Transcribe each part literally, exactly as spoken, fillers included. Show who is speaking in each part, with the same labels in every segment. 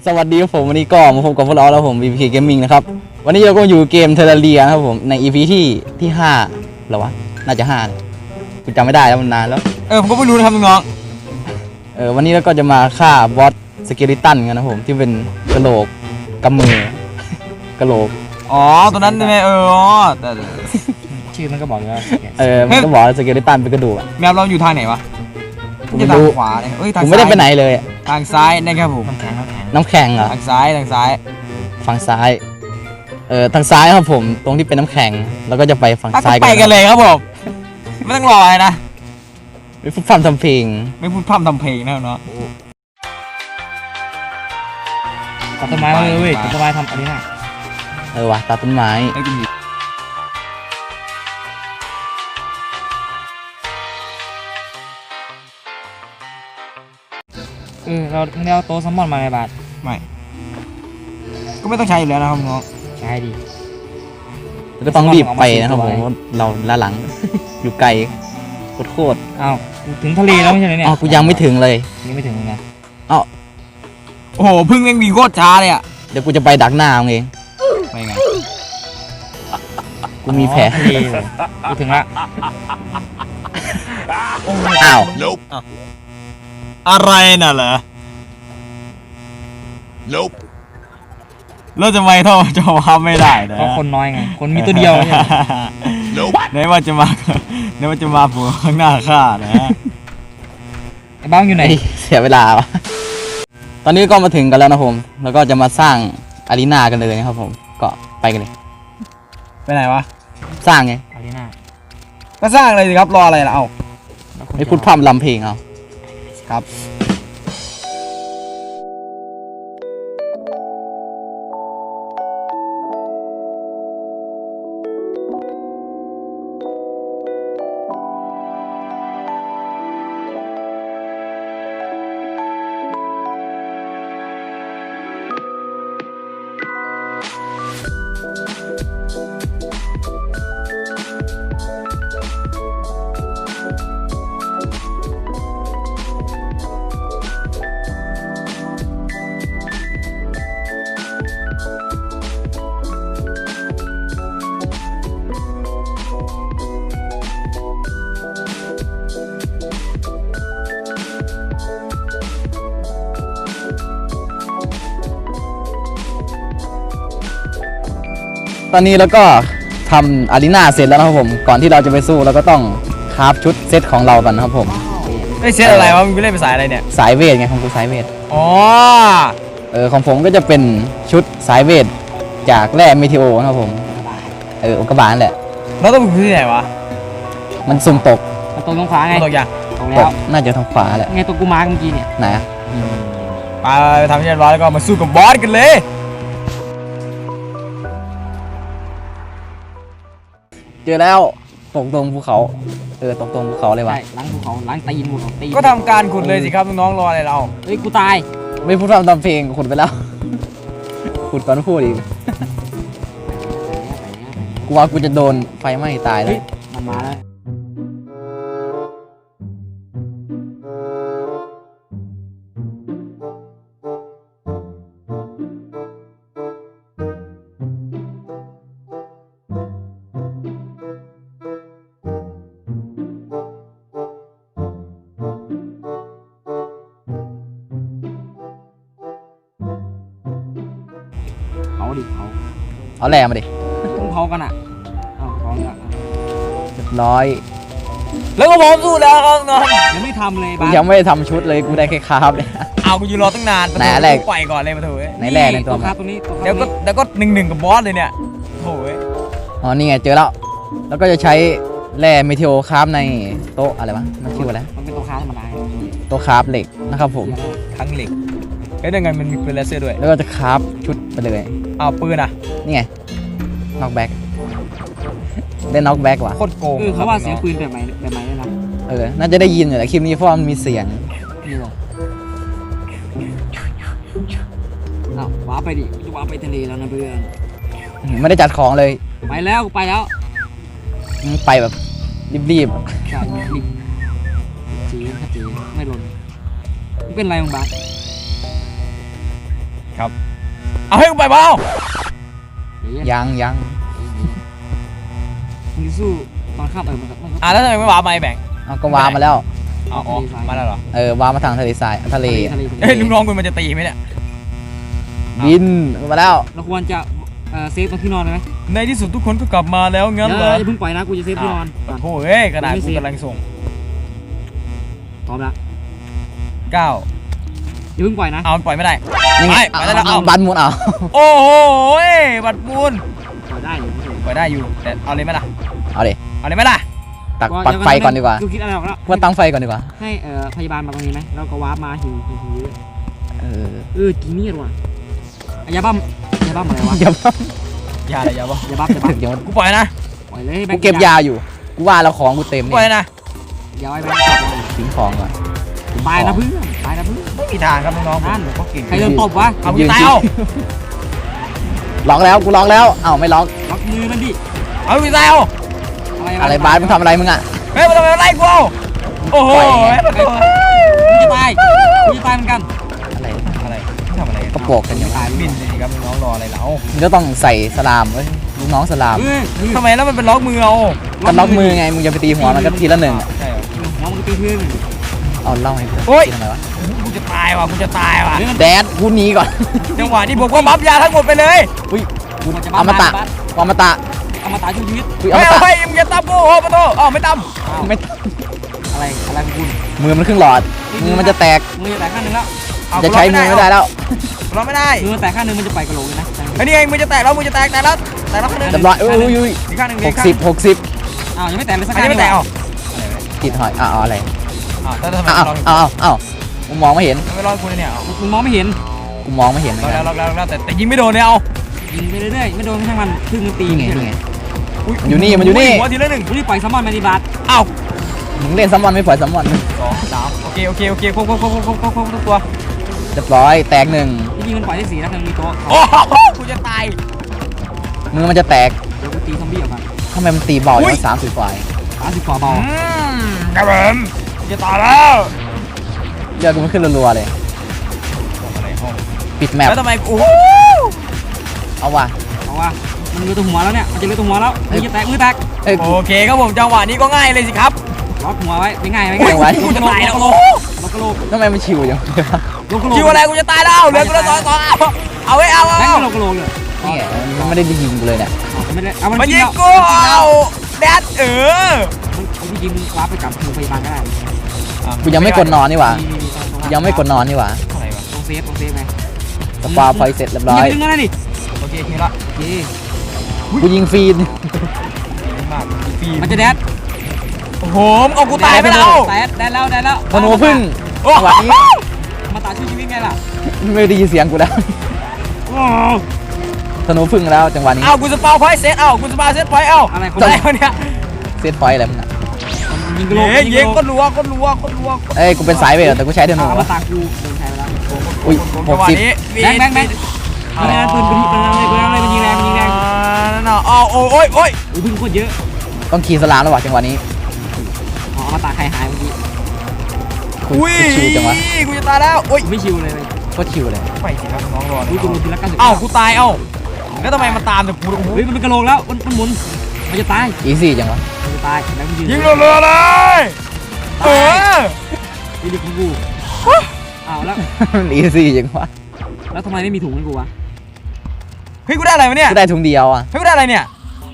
Speaker 1: สวัสดีครับผมวันนี้ก็มาพบกับพวกเราแล้วผม วี พี เค Gaming นะครับวันนี้เราก็อยู่เกมเทอร์เรียครับผมใน อี พี ที่ที่ห้าหรอวะน่าจะห้ากูจำไม่ได้แล้วมันนานแล้ว
Speaker 2: เออผมก็ไม่รู้นะครับน้อง
Speaker 1: เออวันนี้เราก็จะมาฆ่าบอสสเกลิตันกันนะผมที่เป็นกระโหลกกำมือกระโหลก
Speaker 2: อ๋อตัวนั้นใช่ไหมเอออ๋อแต่
Speaker 3: ชื่อมันก็บอกว่า
Speaker 1: เออมันก็บอกสเกลิตันเป็นกระดูก
Speaker 2: แมปเราอยู่ทางไหนวะ
Speaker 1: กูไม่รู้
Speaker 2: ขวาเลยเอ้ยทาง
Speaker 1: กูไม่ได้ไปไหนเลย
Speaker 2: ทางซ้ายนะครับผม
Speaker 3: น้ำแข็งน้ำแข็ง
Speaker 1: น้ำแข็งเหรอ
Speaker 2: ทางซ้ายทางซ้าย
Speaker 1: ฝั่งซ้ายเออทางซ้ายครับผมตรงที่เป็นน้ำแข็งแล้วก็จะไปฝั่งซ้าย
Speaker 2: ไปกันเลยครับผมไม่ต้องรอเลยนะ
Speaker 1: ไม่พูดพร่ำทำเพลง
Speaker 2: ไม่พูดพร่ำทำเพลงนะเนาะ
Speaker 3: ตัดต้นไม้มาเลยเว้ยตัดต้นไม้ทำอันนี้นะ
Speaker 1: เออวะตัดต้นไม้
Speaker 3: เออเราไม่ได้เอาโต๊ะซัมมอนมาในบาท
Speaker 2: ไม่ก็ไม่ต้องใช้อยู่แล้วนะครับน้อง
Speaker 3: ใช้ดี
Speaker 1: ก็ต้องรีบไปนะครับผมเราล้าหลังอยู่ไกลโคตร
Speaker 3: อ้าวถึงทะเลแล้วไม่ใช่เนี่ย
Speaker 1: อ๋อกูยังไม่ถึงเลย
Speaker 3: ยังไม่ถึงเลยนะ
Speaker 1: อ้าว
Speaker 2: โอ้โหพึ่งแม่งมีโคตรช้าเลยอ่ะ
Speaker 1: เดี๋ยวกูจะไปดักหน้ามึงเอง
Speaker 2: ไปไง
Speaker 1: กูมีแผล
Speaker 3: ทะเลกูถึงละ
Speaker 1: อ้าว
Speaker 2: อะไรน่ะเหรอเราจะไม่เท่าจะมาไม่ได้นะ
Speaker 3: เพราะคนน้อยไงคนมีตัวเดียวเนี่ย
Speaker 2: ไหนว่าจะมาไหนว่าจะมาผัวข้างหน้าข้านะ
Speaker 3: ไอ้บ้างอยู่ไหน
Speaker 1: เสียเวลาวะตอนนี้ก็มาถึงกันแล้วนะผมแล้วก็จะมาสร้างอารีนากันเลยนะครับผมก็ไปกันเลย
Speaker 2: ไปไหนวะ
Speaker 1: สร้างไง
Speaker 3: อารีนา
Speaker 2: ก็สร้างเลยสิครับรออะไรล่ะเอา
Speaker 1: ไม่พูดพร่ำลำเพลงเอา
Speaker 2: ครับ
Speaker 1: ตอนนี้เราก็ทำอารีนาเสร็จแล้วนะครับผมก่อนที่เราจะไปสู้เราก็ต้องคราฟชุดเซตของเรากันนะครับผม
Speaker 2: ไอเซตอะไรวะมึงไปเล่นภาษาอะไรเนี่ย
Speaker 1: สายเวทไงของกูสายเวท
Speaker 2: อ๋อ
Speaker 1: เออของผมก็จะเป็นชุดสายเวทจากแร่เมทิโอนะครับผมเอออุกกาบาตนั่นแหละ
Speaker 2: แล้วต้องไปที่ไหนวะ
Speaker 1: มันสุ่มตก
Speaker 3: มันตกตรงขวาไง
Speaker 2: ตกยัง
Speaker 3: ตกแล้ว
Speaker 1: น่าจะทางขวาแหละ
Speaker 3: ไงตัวกูมาเมื่อกี้เนี่ย
Speaker 1: ไหน
Speaker 2: ไปทำเรียบร้อยแล้วก็มาสู้กับบอสกันเลย
Speaker 1: เจอแล้วตกตรงภูเขาเออตกตรงภูเขาเลยวะ
Speaker 3: ล้างภูเขาล้างตีนภูเขาตีน
Speaker 2: ก็ทำการขุดเลยสิครับน้องๆรออะไรเรา
Speaker 3: เฮ้ยกูตาย
Speaker 1: ไม่พูดทำเพลงขุดไปแล้วขุดก่อนพูดอีกกูว่ากูจะโดนไฟไหม้ตายเลย
Speaker 3: มันมาแล้วเผาดิเผา
Speaker 1: เอาแร่มาดิ
Speaker 3: ต้องเผากันอ่ะเอาเผาละ
Speaker 1: เรียบร้อย
Speaker 2: แล้วก็พร้อมสู้แล้วครับน้อง
Speaker 3: ยังไม่ทำเลย
Speaker 1: บ้ายังไม่ได้ทำชุดเลยกูได้แค่คราฟเลย
Speaker 2: เอากูอยู่รอตั้งนาน
Speaker 1: ไหนแรก
Speaker 2: ปล่อยก่อนเลยมาเถอะ
Speaker 1: ไหนแร่ในตัว
Speaker 3: คราฟตรงนี้
Speaker 2: เดี๋ยวก็เดี๋ยวก็หนึ่งหนึ่งกับบอสเลยเนี่ยโถ่
Speaker 1: อ๋อนี่ไงเจอแล้วแล้วก็จะใช้แร่เมทิโอคราฟในโต๊ะอะไรวะมันชื่ออะไร
Speaker 3: มันเป็นโต๊ะคราฟธรรมดา
Speaker 1: โต๊ะคราฟเหล็กนะครับผม
Speaker 2: ทั้งเหล็กแล้วยังไงมันมีปืนเลเซอร์ด้วย
Speaker 1: แล้วก็จะคราฟชุดไปเลย
Speaker 2: เอาปืนอ่ะ
Speaker 1: นี่ไงน็อกแบ็กได้น็อกแบ็กว่ะ
Speaker 2: โคตรโกง
Speaker 3: คือเขาว่าเสียงปืนแบบไหนแบบไหนนะ
Speaker 1: เออน่าจะได้ยินอยู่แหละคลิปนี้เพราะมันมีเสียง
Speaker 3: นี่หรออ้าวว้าไปดิจะว้าไปทะเลแล้วนะเพื่อน
Speaker 1: ไม่ได้จัดของเลย
Speaker 3: ไปแล้วไปแล้ว
Speaker 1: ไปแบบรีบ
Speaker 3: ๆใช่รีบจีนถ้าจีนไม่หล่นเป็นไรมึงบ้า
Speaker 2: ครับเอาให้กูไปเปล่า
Speaker 1: ยังยัง
Speaker 3: มึงสู้ตอนข้ามเออมันก็มันก็
Speaker 2: อ่ะแล้วทำไมไม่วาร์ปมาไอ้แบงค์
Speaker 1: เอาก็วามาแล้ว
Speaker 2: อ๋ออ๋อมาแล้วเหรอ
Speaker 1: เออวามาทางทะเลทรายทะเล
Speaker 3: ทะเล
Speaker 2: เฮ้ยลูกน้องคุณมันจะตีไหมเนี่ย
Speaker 1: บินมาแล้ว
Speaker 3: เราควรจะเอ่อเซฟตรงที่นอนเลยไหม
Speaker 2: ในที่สุดทุกคนก็กลับมาแล้วงั้น
Speaker 3: เดี๋ยว
Speaker 2: เหรอ
Speaker 3: อย่าเพิ่งปล่อยนะกูจะเซฟที่นอนก่อน
Speaker 2: โอ้เฮ้ยกระดาษกูกำลังส่ง
Speaker 3: พร้อมละ
Speaker 2: เก้า
Speaker 3: อย่าเพิ่งปล่อยนะ
Speaker 2: เอามันปล่อยไม่ได้
Speaker 1: ยังไง
Speaker 2: ไปไปได้แล้วเอา
Speaker 1: บันหมุนเอา
Speaker 2: โอ้โหบัตรมูล
Speaker 3: ปล่อยได้อยู่
Speaker 2: ปล่อยได้อยู่แต่เอาเลยไหมล่ะ
Speaker 1: เอาดิ
Speaker 2: เอาเลยไหมล่ะ
Speaker 1: ตักปักไฟก่อนดีกว่า
Speaker 3: กูคิดอะไรออกแล้ว
Speaker 1: ว่าตั้งไฟก่อนดีกว่า
Speaker 3: ให้เอ่อพยาบาลมาตรงนี้ไหมแล้วก็วาร์ปมาหิวหิวหิว
Speaker 1: เออ
Speaker 3: เออกีเนียดว่ะอ่ะยาบ้ามยาบ้ามอะไรวะ
Speaker 1: อย่าบ้า
Speaker 2: อย่าเลยอย่าบอก
Speaker 3: ยาบ้ามยาบ้าม
Speaker 1: เดี๋ยว
Speaker 2: กูปล่อยนะ
Speaker 3: ปล่อยเลยแบ
Speaker 1: กู
Speaker 3: งค์
Speaker 1: เก็บยาอยู่กูว่าแล้วของกูเต็ม
Speaker 2: กู
Speaker 1: นี่
Speaker 2: ปล่อยนะ
Speaker 3: ยาไว้แบงค์จับเลย
Speaker 1: ทิ้งของก่อน
Speaker 3: ตายนะเพื่อนตายนะเพื่อน
Speaker 2: ไม่มีทางครับน้องๆ
Speaker 3: นั่น
Speaker 2: ผมก็เก่ง
Speaker 3: ใครโดนตบวะ
Speaker 2: เอากูตายเอา
Speaker 1: ล็อกแล้วกูล็อกแล้วเอ้าไม่ล็อก
Speaker 3: ล็อกมือมันดิ
Speaker 2: เอากูตายเอา
Speaker 1: อะไรบาสมึงทำอะไรมึงอ่ะ
Speaker 2: เฮ้ยมันทำไมมันไล่กูเอาโอ้โห
Speaker 1: ปล่อยไง
Speaker 2: ประตู
Speaker 3: มึงจะตายมึงจะตายเหมือนกัน
Speaker 1: อะไร
Speaker 2: อะไรทำอะไร
Speaker 1: กระโปกกันอย่าง
Speaker 3: ตาย
Speaker 2: บินสิครับน้องๆรออะไรแล้ว
Speaker 1: มึงก็ต้องใส่สลามเว้ยลูกน้องสลาม
Speaker 3: เฮ้ยเฮ้ย
Speaker 2: ทำไมแล้วมันเป็นล็อกมือเอา
Speaker 1: กันล็อกมือไงมึงจะไปตีหัวมันก็ทีละหนึ่งอะ
Speaker 2: ใช่เหรอ
Speaker 3: หัวมึงตีเพื่อน
Speaker 1: เอาเล่าให้กู
Speaker 2: โอ๊ย
Speaker 1: ทำไมวะ
Speaker 2: กูจะตายว่ะกูจะตายว่ะ
Speaker 1: แดดกูหนีก่อน
Speaker 2: จังหวะนี้ผมก็บัฟยาทั้งหมดไปเลย
Speaker 1: อุ้ย
Speaker 3: กูจะ
Speaker 1: อมตะอมตะ
Speaker 3: เอามาตายช่วยชีวิต
Speaker 1: อุ้ยอ
Speaker 2: เฮ้
Speaker 1: ม
Speaker 2: ย
Speaker 1: ตะ
Speaker 2: เฮ้ยมึงจะตามกูโอ้ประตูอ๋อไม่ตาม
Speaker 1: ไม่
Speaker 3: อะไรอะไรของคุณ
Speaker 1: มือมันครึ่งหลอดมือมันจะแตก
Speaker 3: มือแตกข้างนึงแล้ว
Speaker 2: เอา
Speaker 1: จะใช้มือไม่ได้แล้ว
Speaker 2: เราไม่ได้
Speaker 3: มือแตกข้างนึงมันจะไปกระโหลกเลยนะ
Speaker 2: ไอ้นี่ไงมือจะแตกแล้วมือจะแตกแตกแล้วแตกแล้วข้างนึง
Speaker 1: เรียบร้อยอุ้ยอุ้ยอุ้ย
Speaker 2: อีกข้างหนึง
Speaker 1: หกสิบหกสิบ
Speaker 3: อ้าวยังไม่แตกเลยสัก
Speaker 2: อัน
Speaker 3: ข้าง
Speaker 2: นี้ไม่แตก
Speaker 3: เหร
Speaker 2: อ๋อ
Speaker 1: ติดหอยอ้าวเอาอะไร
Speaker 2: อ้าวแล้วทำไม
Speaker 1: อ้าว
Speaker 2: ลอง
Speaker 1: อ้าวอ้าวกูมองไม่เห็น
Speaker 2: ทำไมลองกูเนี่ยเอา
Speaker 3: มึงมองไม่เห็น
Speaker 1: กูมองไม่เห็นเหมือน
Speaker 2: เรา
Speaker 1: กั
Speaker 2: แล้ว
Speaker 1: น
Speaker 2: เราแล้วเราแต่แต่ยิงไม่โดนเนี่ยเอา
Speaker 3: ยิงไปเรื่อยๆไม่โดนช่างมันพึ่งมันตี
Speaker 1: นี่ไงนี่ไง
Speaker 2: อุ๊
Speaker 1: มันอยู่นี่มันอยู่นี่
Speaker 2: หัวทีละหนึ่ง
Speaker 3: กูรีบปล่อยซัมมอนมาดีบาส
Speaker 2: เอ้า
Speaker 1: มึงเล่นซัมมอนไม่ปล่อยซัมมอน
Speaker 2: สองสามโอเคโอเคโอเคครบครบครบครบครบครบครบทุกตัว
Speaker 1: เรียบร้อยแตกหนึ่ง
Speaker 3: จริงๆมันปล่อยได้สี่นะมันมีโต๊ะ
Speaker 2: โอ้โหกูจะตาย
Speaker 1: มือมันจะแตก
Speaker 3: เดี๋ยวกูตีซอมบี้ออกมา
Speaker 1: ทำไมมันตีเบาอย่างสามสิบกว่า
Speaker 3: สามสิบกว่าเบา
Speaker 2: อืมครับผมกูจะตายแล้ว
Speaker 1: เลือดกูมันขึ้นรัวๆเลย
Speaker 2: อะไรห้อง
Speaker 1: ปิดแมป
Speaker 2: แล้วทำไมกู
Speaker 1: เอาว่ะ
Speaker 3: เอาว่ามันเลือดตัวหัวแล้วเนี่ยมันจะเลือดตัวหัวแล้วมือจะแตกมือแตก
Speaker 1: เอ้ย
Speaker 2: โอเคครับผมจังหวะนี้ก็ง่ายเลยสิครับ
Speaker 3: ล็อกหัวไว้ไม่ง่ายไม่
Speaker 1: โอ้
Speaker 3: ง่าย
Speaker 1: ย
Speaker 2: กูจะตายแล้ว
Speaker 3: ล็
Speaker 2: โอ้
Speaker 3: อกกระโหลก
Speaker 1: ทำไมมันชิวอย่างเงี้ย
Speaker 3: ล็อกกระโหลก
Speaker 2: คิวอะไรกูจะตายแล้วเหลือกูแล้วสองสองเอาเอาไว้เอา
Speaker 3: แบง
Speaker 2: เอา
Speaker 3: ค์กระโหลกกระโหลกเลย
Speaker 1: นี่ไงมันไม่ได้ยิงกูเลยเนี่ย
Speaker 3: ไม่ได้เอามัน
Speaker 2: มา
Speaker 3: จริ
Speaker 2: ยิ
Speaker 3: ง
Speaker 2: ง
Speaker 3: แล้ว
Speaker 2: กูเอาแดดเออ
Speaker 3: มันจริงมึงวาร์ปไปกับโรงพยาบาลก็ได้
Speaker 1: กูยังไม่กดนอนนี่หว่ายังไม่กดนอนนี่หว่า
Speaker 2: อะไรวะ
Speaker 3: ตรงเซฟตรงเซฟไง
Speaker 1: สปาพอยเสร็จเรียบร้อย
Speaker 3: ยิงไปดึงนั่นดิ
Speaker 2: โอเคคิวละ
Speaker 3: โอเค
Speaker 1: กูยิงฟรีน
Speaker 2: มากฟี
Speaker 3: มันจะแดด
Speaker 2: โอ้โหเอากูตายไปแล้ว
Speaker 3: แดดได้แล้วได้แล้ว
Speaker 1: ธนูพึ่ง
Speaker 2: โอ้
Speaker 1: จังหวะนี้
Speaker 3: มาตาช่วยชีวิตไงล่ะ
Speaker 1: ไม่ได้ยินเสียงกูแล้ว
Speaker 3: โอ้
Speaker 1: ธนูพึ่งแล้วจังหวะนี้
Speaker 2: เอากูสปาวพอยต์เซตเอากูสปาวเซตพอยต์เอา
Speaker 3: อะไรคน
Speaker 2: อะไร
Speaker 3: ไหน
Speaker 2: วะเนี่ย
Speaker 1: เซตพอยต์อะไรมึงอ่ะ
Speaker 3: ยิงกระโหลก
Speaker 2: เย้เย้ก็รัวก็รัวก็รัว
Speaker 1: เอ้ยกูเป็นสายเวทแต่กูใช้ธนู
Speaker 3: เอามา
Speaker 1: วะ
Speaker 3: ตากูโดนใช้ไปแล้ว
Speaker 1: อุ้ยหกสิบ
Speaker 3: แบงค์แบงค์แบงค์ไม่ได้ปืนปืนปืนอะไรปืนอะไรมันยิงแรงมันยิงแรง
Speaker 2: นั่นน่ะอ๋อโอ้ยโอ้ยโอ้ย
Speaker 3: อุ้ยพึ่งโคตรเยอะ
Speaker 1: ต้องขี่สลามแล้วว่ะจังหวะนี้
Speaker 3: อ๋อมาตาใครหายเมื่อกี้
Speaker 1: กู
Speaker 2: อุ้ย
Speaker 1: กูชิวจังวะ
Speaker 2: กูจะตายแล้วโอ้ย
Speaker 3: ไม่ชิวเลย
Speaker 1: โคตรชิวเลย
Speaker 2: ไปสิครับน้องรอ
Speaker 3: อุ้ยกูโดนทีละเก้าสิบ
Speaker 2: เอ้ากูตายเอ้าแล้วทำไมมันตามแต่กูโอ้โห
Speaker 3: เฮ้ยมันเป็นกระโหลกแล้วมันมันหมุนมันจะตาย
Speaker 1: อีซี่จังวะ
Speaker 3: มันจะตายแล้วมันยืน
Speaker 2: ยิงรัวๆเลยเออ
Speaker 3: นี่ดิของกูอ้าวแล้ว
Speaker 1: มันอีซี่จังวะ
Speaker 3: แล้วทำไมไม่มีถุงให้กูวะ
Speaker 2: เฮ้ยกูได้อะไรวะเนี่ย
Speaker 1: กูได้ถุงเดียวอ่ะ
Speaker 2: เฮ้ยกูได้อะไรเนี่ย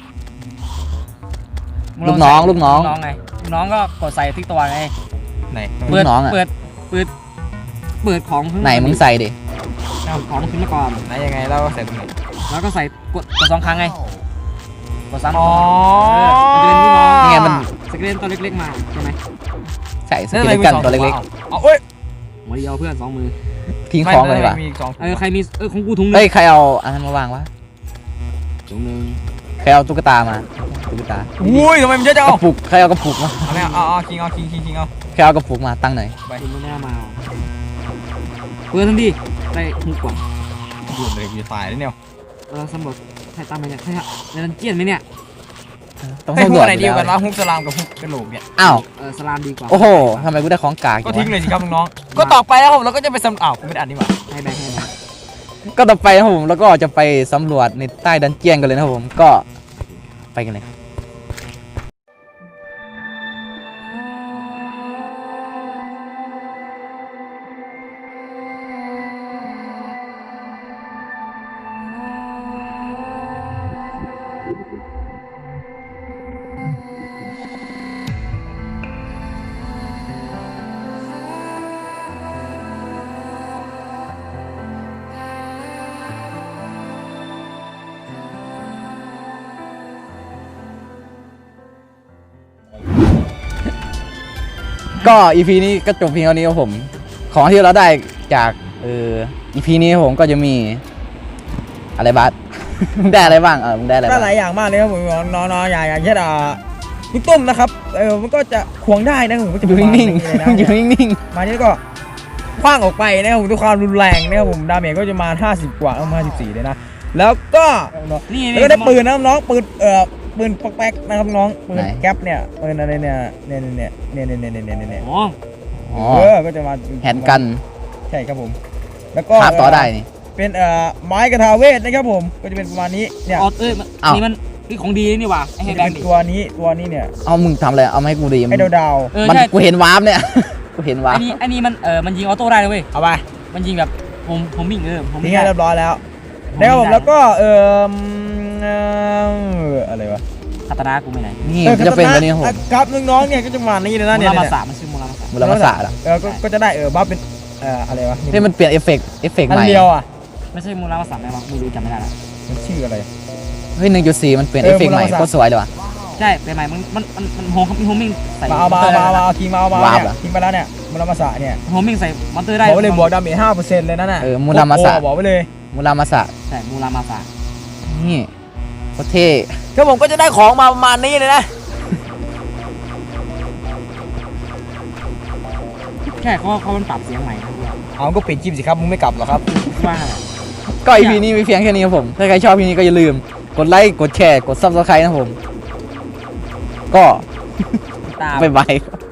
Speaker 1: ลูกน้องลูกน้อง
Speaker 3: น้องไงน้องก็กดใส่ที่ตัวไง
Speaker 2: ไหน
Speaker 1: ลูกน้องอะ
Speaker 3: เปิดเปิดเปิดของ
Speaker 1: ไหนมึงใส่ดิ
Speaker 3: เอาของขึ้นมาก่อน
Speaker 2: ไหนยังไงเราใส่ตรงไหน
Speaker 3: แล้วก็ใส่กดกดสองครั้งไงกดซ้ำ
Speaker 2: อ๋อ
Speaker 3: เออมันจะเป็นลูกน้อง
Speaker 1: นี่ไงมัน
Speaker 3: สเกเลนตัวเล็กๆมาใช่ไหม
Speaker 1: ใส่สกิลกันตัวเล็ก
Speaker 2: เอาเอ้ย
Speaker 3: หัวเดียวเพื่อนสองมือ
Speaker 1: ๆทิ้งของเลยดีกว่า
Speaker 2: มีอีกสอง
Speaker 3: เออใครมีเออของกูถุงหนึ
Speaker 1: เฮ้ย
Speaker 3: ง
Speaker 1: ใครเอาอันนั้นมาวางวะ
Speaker 3: ถุงหนึง
Speaker 1: ใครเอาตุ๊กตามาตุ๊กตา
Speaker 2: อุ้ยทำไมมันเยอะจัง
Speaker 1: ก
Speaker 2: เอา
Speaker 1: ระปุกใครเอากระปุกมา
Speaker 2: เอาเนี่ยเอาเอาคิงเอาคิงคิงคิงเอา
Speaker 1: ใครเอากระปุกมาตั้งหน่อย
Speaker 2: ไป
Speaker 3: คุณไม่น่ามาเปิดทันทีได้หุกก่อน
Speaker 2: ดูเลยกูจะตายแล้วเนี่ย
Speaker 3: เออสำรวจใช่ตามไหมเนี่ยใช่ฮะในดันเจียนไหมเนี่ย
Speaker 1: ต้อง
Speaker 2: ไอ้
Speaker 1: สำ
Speaker 2: พ
Speaker 1: ร
Speaker 2: ว
Speaker 1: ว
Speaker 2: ก
Speaker 1: จ
Speaker 2: ไหน
Speaker 1: อ
Speaker 2: ดี
Speaker 1: ยู่
Speaker 2: กัน
Speaker 1: แล้ว
Speaker 2: วะฮุกสลามกับฮุกกระโหลกเนี่ย
Speaker 1: อ้าว
Speaker 3: เออสลามดีกว่า
Speaker 1: โอ้โหทำไมกูได้ของกาก
Speaker 2: ก็
Speaker 1: จัง
Speaker 2: ทิ้ง
Speaker 1: วะ
Speaker 2: เลยสิครับน้องๆก็ต่อไปแล้วผมเราก็จะไปสำอ้าวกูไม่ได้อ่านนี่หว่า
Speaker 3: ให้แบงค์ให้แบงค์
Speaker 1: ก็ต่อไปนะครับผมแล้วก็จะไปสำรวจในใต้ดันเจียนกันเลยนะครับผมก็ไปกันเลยครับก็ อี พี นี้ก็จบเพียงเท่านี้ครับผมของที่เราได้จากเออ อี พี นี้ครับผมก็จะมีอะไรบ้าง ได้อะไรบ้างเออมึงได้อะไร
Speaker 4: ได้
Speaker 1: บ้าง
Speaker 4: หลายอย่างมากเลยครับผมน้องๆอย่างอย่างเช่นอ่าลูกตุ้มนะครับเออมันก็จะควงได้นะผมก็จะ
Speaker 1: อยู่นิ่ง
Speaker 4: ประมาณ
Speaker 1: ๆ
Speaker 4: นี้
Speaker 1: อยู่
Speaker 4: เลยนะ
Speaker 1: นิ่ง
Speaker 4: มานี่ก็คว้างออกไปนะครับผมด้วยความรุนแรงนะครับผมดาเมจก็จะมาห้าสิบกว่าห้าสิบสี่เลยนะแล้วก็
Speaker 3: นี่
Speaker 4: แล้วก็ได้ปืนนะน้องปืนเอ่อปืนปอกแป๊กนะครับน้องปืนแก๊ปเนี่ยปืนอะไรเนี่ยเนี่ยเนี่ยเนี่ยเนี่ยเนี่ยเนี่ยเนี่ยเนี่ย
Speaker 3: อ๋อ
Speaker 1: ๆอ๋อ
Speaker 4: เออก็จะมา
Speaker 1: แฮนด์กัน
Speaker 4: ใช่ครับผมแล้วก็
Speaker 1: คาบต่อได้นี่
Speaker 4: เป็นเอ่อไม้กระทาเวทนะครับผมก็จะเป็นประมาณนี้เนี่ย
Speaker 3: ออเอ้ยมัน
Speaker 1: อ้าว
Speaker 3: นี่มันนี่ของดีนี่หว่าไอ้
Speaker 4: จะ
Speaker 3: แฮแดง
Speaker 4: เป็น
Speaker 3: ดิ
Speaker 4: ตัวนี้ตัวนี้เนี่ย
Speaker 1: เอามึงทำอะไรเอามาให้กูดี
Speaker 4: ไอ้ดาวดาว
Speaker 3: เออ
Speaker 1: มัน
Speaker 3: ใช่
Speaker 1: กูเห็นวาร์ปเนี่ย กูเห็นวาร์
Speaker 3: อั
Speaker 1: ป
Speaker 3: นนี้อันนี้มันเออมันยิงออโต้ได้เลยเว้ย
Speaker 4: เอาไป
Speaker 3: มันยิงแบบผมผมวิ่งเออผม
Speaker 4: ทิ้
Speaker 3: วิ่
Speaker 4: ง
Speaker 3: ง
Speaker 4: ให้
Speaker 3: ได้
Speaker 4: เรียบร้อยแล้ว
Speaker 3: ผม
Speaker 4: นะครับผม
Speaker 3: ได้
Speaker 4: แล้วก็เอ่อเอ่ออะไรวะ
Speaker 3: คาตานากูไม่ไหน
Speaker 1: นี่
Speaker 4: ออ
Speaker 1: มันจะเป็นแบบนี้ครับผม
Speaker 4: ครับน้องๆเนี่ยก็จะมานี่เลยนะ
Speaker 3: มู
Speaker 4: เนี่ย
Speaker 3: รามา
Speaker 4: เนี่ย
Speaker 3: สามันชื่อมูรามาสา
Speaker 1: มูลค่าละ
Speaker 4: เออก็ก็จะได้เออบัฟเป็นเอ่ออะไรวะ
Speaker 1: นี่มันเปลี่ยนเอฟเฟกต์เอฟเฟกต์
Speaker 4: อั
Speaker 1: ให
Speaker 4: น
Speaker 1: ม่
Speaker 4: เดียวอ่ะ
Speaker 3: ไม่ใช่มูรามาสาไหมวะไม่รู้จำไม่ได้ละ
Speaker 4: มันชื่ออะไร
Speaker 1: เฮ้ยหนึ่งจุดสี่มันเปลี่ยน
Speaker 4: เอ
Speaker 1: เอ
Speaker 4: อ
Speaker 1: ฟเฟกต์ใหม่
Speaker 4: มูลค่า
Speaker 1: โคตรสวยเลยว่ะ
Speaker 3: ใช่เป็นใหม่มันมันมันมันโฮมมีโฮมมิ่งใส่
Speaker 4: มาเอามาเอามาเอามาเอาคิงมาเอามา
Speaker 1: วาร์ป
Speaker 4: เนี่ย
Speaker 1: เหรอ
Speaker 4: คิงไปแล้วเนี่ยมูลมาสะเนี่ย
Speaker 3: โฮมมิ่งใส่มอนเตอร์ได้
Speaker 4: บอกไว้เลยบวกดาเมจห้าเปอร์เซ็นต์เลยนั่นน่ะ
Speaker 1: เออมูลมาสะ
Speaker 4: โอ้โหบอกไว้เลย
Speaker 1: มูลามาสะ
Speaker 3: ใช่มูรามาสา
Speaker 1: นี่โคตรเท่
Speaker 4: ก็ผมก็จะได้ของมาประมาณนี้เลยนะ
Speaker 3: ใช่เขาเขามันปรับเสียงใหม่นะ
Speaker 4: เอาก็ปิดจิมสิครับมึงไม่กลับหรอครับ
Speaker 3: ว่า
Speaker 1: ก็ อี พี นี้มีเพียงแค่นี้ครับผมถ้าใครชอบพีนี้ก็อย่าลืมกดไลค์กดแชร์กดซับสไครต์นะครับผม ก็
Speaker 3: ตาม
Speaker 1: บ๊ายบาย